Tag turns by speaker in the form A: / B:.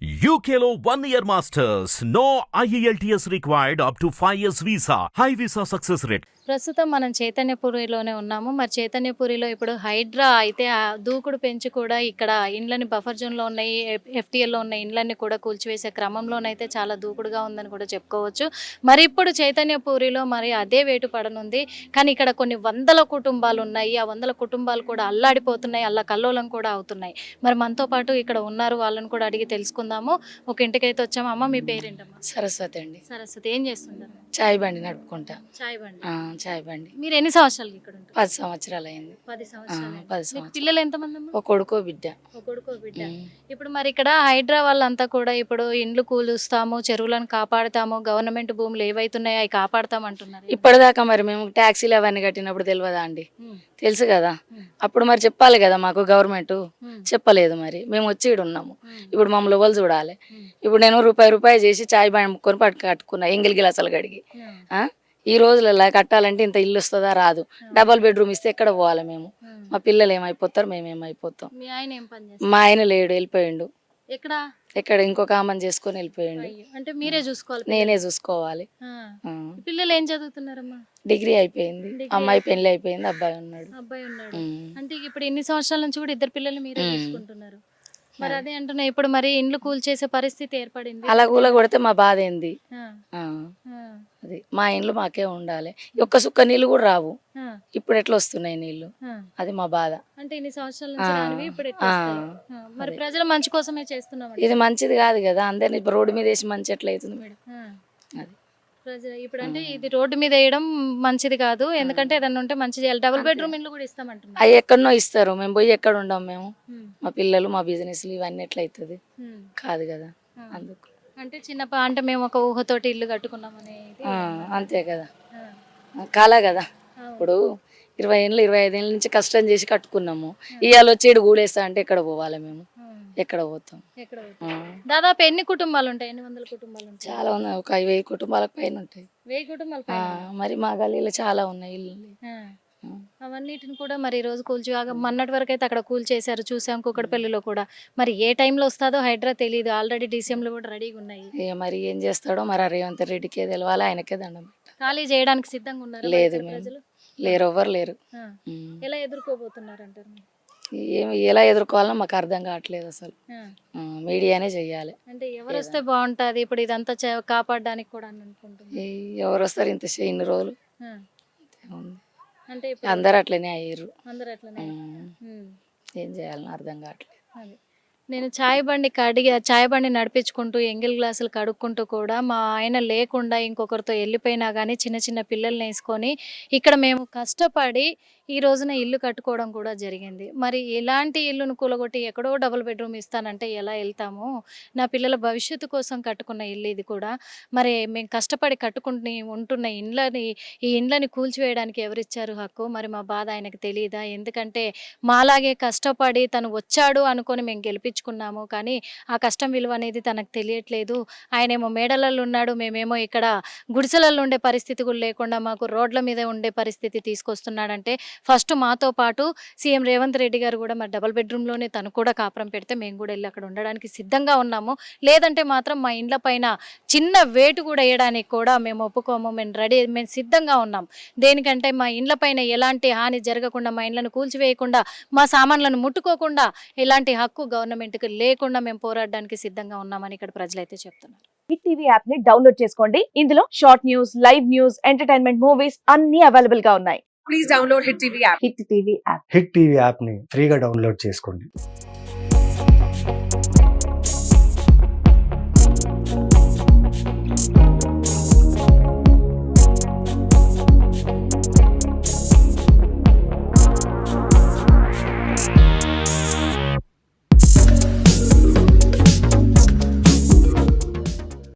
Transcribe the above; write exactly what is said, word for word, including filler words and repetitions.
A: U K లో one year masters. No I E L T S required up to five years visa. High visa success rate.
B: ప్రస్తుతం మనం చైతన్యపురిలోనే ఉన్నాము. మరి చైతన్యపురిలో ఇప్పుడు హైడ్రా అయితే ఆ దూకుడు పెంచి కూడా ఇక్కడ ఇండ్లని బఫర్ జోన్లో ఉన్నాయి, ఎఫ్టీఎల్లో ఉన్న ఇండ్లన్నీ కూడా కూల్చివేసే క్రమంలోనైతే చాలా దూకుడుగా ఉందని కూడా చెప్పుకోవచ్చు. మరి ఇప్పుడు చైతన్యపురిలో మరి అదే వేటు పడనుంది. కానీ ఇక్కడ కొన్ని వందల కుటుంబాలు ఉన్నాయి. ఆ వందల కుటుంబాలు కూడా అల్లాడిపోతున్నాయి, అల్ల కల్లోలం కూడా అవుతున్నాయి. మరి మనతో పాటు ఇక్కడ ఉన్నారు, వాళ్ళని కూడా అడిగి తెలుసుకుందాము. ఒక ఇంటికైతే వచ్చాము. అమ్మ, మీ పేరేంటమ్మా?
C: సరస్వతి అండి.
B: సరస్వతి. ఏం చేస్తుంటారు?
C: చాయ్ బండి నడుపుకుంటా.
B: చాయ్ బండి.
C: ఆ, చాయ్ బండి.
B: మీరు ఎన్ని సంవత్సరాలు ఇక్కడ ఉంటారు?
C: పది సంవత్సరాలు అయింది.
B: పది
C: ఆ,
B: సంవత్సరాలు.
C: పది
B: మీకు
C: సంవత్సరాలు.
B: పిల్లలు ఎంతమంది అమ్మా?
C: ఒక కొడుకో బిడ్డ.
B: ఒక కొడుకు ఒక బిడ్డ.
C: ఉమ్.
B: ఇప్పుడు మరి ఇక్కడ హైడ్రా వాళ్ళంతా కూడా ఇప్పుడు ఇండ్లు కూలుస్తాము, చెరువులను కాపాడుతాము, గవర్నమెంట్ భూములు ఏవైతున్నాయో అవి కాపాడుతాం అంటున్నారు.
C: ఇప్పటిదాకా మరి మేము ట్యాక్సీలు అవన్నీ కట్టినప్పుడు తెలియదా అండి?
B: ఉమ్,
C: తెలుసు కదా.
B: ఉమ్,
C: అప్పుడు మరి చెప్పాలి కదా మాకు గవర్నమెంట్.
B: ఉమ్,
C: చెప్పలేదు మరి. మేము వచ్చి ఇక్కడ ఉన్నాము.
B: ఉమ్,
C: ఇప్పుడు మమ్మల్ని ఎవరు చూడాలి?
B: ఉమ్,
C: ఇప్పుడు నేను రూపాయి రూపాయి చేసి చాయ్ బండి ముక్కొని పట్టు కట్టుకున్నా ఎంగిల్ గిలాసాలు గడిగి.
B: ఉమ్,
C: ఆ? ఈ రోజులలో కట్టాలంటే ఇంత ఇల్లు వస్తుందా? రాదు. డబల్ బెడ్రూమ్ ఇస్తే ఎక్కడ పోవాలి మేము?
B: ఉమ్.
C: మా పిల్లలు ఏమైపోతారు, మేము ఏమైపోతాం.
B: మీ ఆయన ఏం పని చేస్తారు?
C: మా ఆయన లేడు, వెళ్ళిపోయిండు.
B: ఎక్కడ?
C: ఎక్కడ ఇంకొక ఆమెను చేసుకొని వెళ్ళిపోయిండు.
B: అయ్యో, అంటే మీరే చూసుకోవాలి.
C: నేనే చూసుకోవాలి.
B: ఆ.
C: ఆ.
B: పిల్లలు ఏం చదువుతున్నారమ్మా?
C: డిగ్రీ అయిపోయింది.
B: డిగ్రీ
C: అమ్మాయి పెళ్లి అయిపోయింది, అబ్బాయి ఉన్నాడు.
B: అబ్బాయి ఉన్నాడు.
C: ఉమ్.
B: అంటే ఇప్పుడు ఎన్ని సంవత్సరాల నుంచి కూడా ఇద్దరు పిల్లలు మీరే
C: ఉమ్.
B: చూసుకుంటున్నారు. మరి అదే అంటున్నా, ఇప్పుడు మరి ఇండ్లు కూల్చేసే పరిస్థితి ఏర్పడింది.
C: అలా కూల కొడితే మా బాధ ఏంది?
B: ఆ,
C: ఆ,
B: ఆ,
C: అది మా ఇండ్లు మాకే ఉండాలి. ఒక్క సుక్క నీళ్ళు కూడా రావు.
B: ఆ,
C: ఇప్పుడు ఎట్లా వస్తున్నాయి నీళ్లు?
B: ఆ.
C: అది మా బాధ.
B: అంటే ఇన్ని సంవత్సరాల నుంచి
C: ఆ,
B: రానివి ఇప్పుడు ఎట్లా
C: ఆ,
B: వస్తాయి? ఆ, మరి
C: అదే.
B: ప్రజల మంచి కోసమే చేస్తున్నాం.
C: ఇది మంచిది కాదు కదా. అందరిని ఇప్పుడు రోడ్డు మీద వేసి మంచి ఎట్లా అవుతుంది మేడం? అది
B: ప్రజలు ఇప్పుడు అంటే ఇది రోడ్డు మీద వేయడం మంచిది కాదు, ఎందుకంటే ఏదన్నా ఉంటే మంచి చేయాలి. డబుల్ బెడ్రూమ్ ఇల్లు కూడా ఇస్తామంటున్నారు.
C: అవి ఎక్కడనో ఇస్తారు, మేము పోయి ఎక్కడ ఉండం మేము.
B: ఉమ్,
C: మా పిల్లలు, మా బిజినెస్లు ఇవన్నీ ఎట్లా అవుతుంది?
B: ఉమ్,
C: కాదు కదా.
B: ఆ.
C: అందుకు
B: అంటే చిన్న ప- అంటే మేము ఒక ఊహతోటి ఇల్లు కట్టుకున్నాం అనేది.
C: ఆ, అంతే కదా.
B: ఆ,
C: కాలా కదా.
B: అవును.
C: ఇప్పుడు ఇరవై ఏళ్ళు ఇరవై ఐదు ఏళ్ళ నుంచి కష్టం చేసి కట్టుకున్నాము. ఇవాళ వచ్చి ఈడు గూడేస్తా అంటే ఎక్కడ పోవాలి మేము?
B: ఆ,
C: ఎక్కడ పోతాం?
B: ఎక్కడ పోతుంది?
C: ఆ,
B: దాదాపు ఎన్ని కుటుంబాలు ఉంటాయి? ఎన్ని వందల కుటుంబాలు ఉంటాయి?
C: చాలా ఉన్నాయి. ఒక వెయ్యి కుటుంబాలకు పైన ఉంటాయి.
B: వెయ్యి కుటుంబాలు
C: ఆ,
B: పైన.
C: మరి మా గల్లీలో చాలా ఉన్నాయి ఇల్లు.
B: ఆ. అవన్నిటిని కూడా మరి ఈ రోజు కూల్చి మొన్నటి వరకు అయితే అక్కడ కూల్ చేశారు, చూసాం కుక్కడపల్లిలో కూడా. మరి ఏ టైంలో వస్తుందో హైడ్రా తెలియదు. ఆల్రెడీ డీసీఎంలు కూడా రెడీగా ఉన్నాయి.
C: ఇక మరి ఏం చేస్తాడో మరి ఆ రేవంత్ రెడ్డికే తెలవాలి, ఆయనకే దండం పెట్టాలి.
B: ఖాళీ చేయడానికి సిద్ధంగా ఉన్నారు
C: లేదు
B: ఇక్కడ
C: మేము.
B: ప్రజలు.
C: లేరు, ఎవ్వరు లేరు.
B: ఆ.
C: ఉమ్.
B: ఎలా ఎదుర్కోబోతున్నారు అంటారు మీరు?
C: ఏమి ఎలా ఎదుర్కోవాలో మాకు అర్థం కావట్లేదు అసలు.
B: ఆ.
C: ఆ, మీడియానే చెయ్యాలి.
B: అంటే ఎవరు వస్తే బాగుంటుంది ఇప్పుడు ఇదంతా చే- కాపాడడానికి కూడా అని అనుకుంటున్నారు.
C: ఈ ఎవరు వస్తారు ఇంత చే- ఇన్ని రోజులు?
B: ఆ.
C: ఉంది.
B: అంటే ఇప్పుడు
C: అందరు అట్లనే అయ్యారు.
B: అందరు అట్లనే.
C: ఉమ్.
B: ఉమ్.
C: ఏం చేయాలని అర్థం కావట్లేదు.
B: అది నేను చాయ్ బండి కడిగి చాయ్ బండి నడిపించుకుంటూ ఎంగిల్ గ్లాసులు కడుక్కుంటూ కూడా మా ఆయన లేకుండా ఇంకొకరితో వెళ్ళిపోయినా కానీ చిన్న చిన్న పిల్లల్ని వేసుకొని ఇక్కడ మేము కష్టపడి ఈ రోజున ఇల్లు కట్టుకోవడం కూడా జరిగింది. మరి ఇలాంటి ఇల్లును కూలగొట్టి ఎక్కడో డబుల్ బెడ్రూమ్ ఇస్తానంటే ఎలా వెళ్తాము? నా పిల్లల భవిష్యత్తు కోసం కట్టుకున్న ఇల్లు ఇది కూడా. మరి మేము కష్టపడి కట్టుకుని ఉంటున్న ఇండ్లని ఈ ఇండ్లని కూల్చివేయడానికి ఎవరిచ్చారు హక్కు? మరి మా బాధ ఆయనకు తెలియదా? ఎందుకంటే మాలాగే కష్టపడి తను వచ్చాడు అనుకొని మేము గెలిపించుకున్నాము, కానీ ఆ కష్టం విలువ అనేది తనకు తెలియట్లేదు. ఆయనేమో మేడలలో ఉన్నాడు, మేమేమో ఇక్కడ గుడిసెలలో ఉండే పరిస్థితి కూడా లేకుండా మాకు రోడ్ల మీద ఉండే పరిస్థితి తీసుకొస్తున్నాడంటే ఫస్ట్ మాతో పాటు సీఎం రేవంత్ రెడ్డి గారు కూడా మరి డబుల్ బెడ్రూమ్లోనే తను కూడా కాపురం పెడితే మేము కూడా వెళ్ళి అక్కడ ఉండడానికి సిద్ధంగా ఉన్నాము. లేదంటే మాత్రం మా ఇండ్ల పైన చిన్న వేటు కూడా వేయడానికి కూడా మేము ఒప్పుకోము. మేము రెడీ, మేము సిద్ధంగా ఉన్నాం. దేనికంటే మా ఇండ్ల పైన ఎలాంటి హాని జరగకుండా, మా ఇండ్లను కూల్చివేయకుండా, మా సామాన్లను ముట్టుకోకుండా ఎలాంటి హక్కు గవర్నమెంట్కి లేకుండా మేము పోరాడడానికి సిద్ధంగా ఉన్నామని ఇక్కడ ప్రజలైతే చెప్తున్నారు.
D: హిట్ టీవీ యాప్ ని డౌన్లోడ్ చేసుకోండి. ఇందులో short news, live news, entertainment movies అన్ని అవైలబుల్ గా ఉన్నాయి. Please download hit TV app. Hit TV app.
E: Hit TV యాప్ని ఫ్రీగా డౌన్లోడ్ చేసుకోండి.